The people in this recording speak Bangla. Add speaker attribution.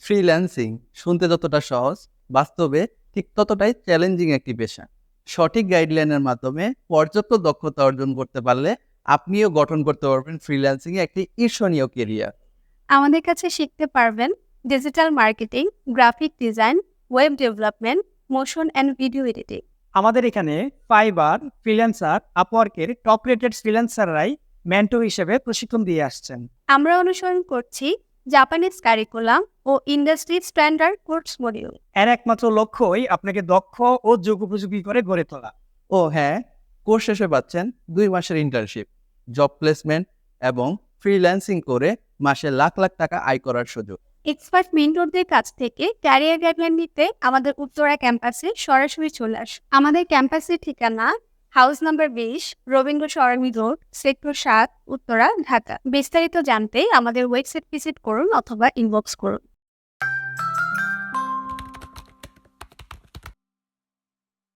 Speaker 1: ফ্রিল্যান্সিং শুনতে যতটা সহজ, বাস্তবে ঠিক ততটাই চ্যালেঞ্জিং একটি পেশা। সঠিক গাইডলাইনের মাধ্যমে পর্যাপ্ত দক্ষতা অর্জন করতে পারলে আপনিও গঠন করতে পারবেন ফ্রিল্যান্সিং এ একটি ঈর্ষণীয় কেরিয়ার।
Speaker 2: আমাদের কাছে শিখতে পারবেন digital marketing, graphic design, web development, motion and video editing.
Speaker 3: আমাদের এখানে ফাইবার, ফ্রিল্যান্সার, আপওয়ার্কের টপ রেটেড ফ্রিল্যান্সাররাই মেন্টর হিসেবে প্রশিক্ষণ দিয়ে আসছেন।
Speaker 2: আমরা অনুসরণ করছি জাপানিজ কারিকুলাম ও ইন্ডাস্ট্রি স্ট্যান্ডার্ড কোর্স মডিউল।
Speaker 3: এর একমাত্র লক্ষ্যই আপনাকে দক্ষ ও যোগ্যোপযোগী করে গড়ে তোলা।
Speaker 1: ও হ্যাঁ, কোর্স শেষে পাচ্ছেন 2 মাসের ইন্টার্নশিপ, জব প্লেসমেন্ট এবং ফ্রিল্যান্সিং করে মাসে লাখ লাখ টাকা আয় করার সুযোগ।
Speaker 2: এক্সপার্ট মেন্টরদের কাছ থেকে ক্যারিয়ার গাইডলাইন নিতে আমাদের উত্তরা ক্যাম্পাসে সরাসরি চলে আসুন। আমাদের ক্যাম্পাসের ঠিকানা house number 20, Rabindra Sarani road, sector 7, Uttara, Dhaka. বিস্তারিত জানতে আমাদের ওয়েবসাইট ভিজিট করুন অথবা ইনবক্স করুন।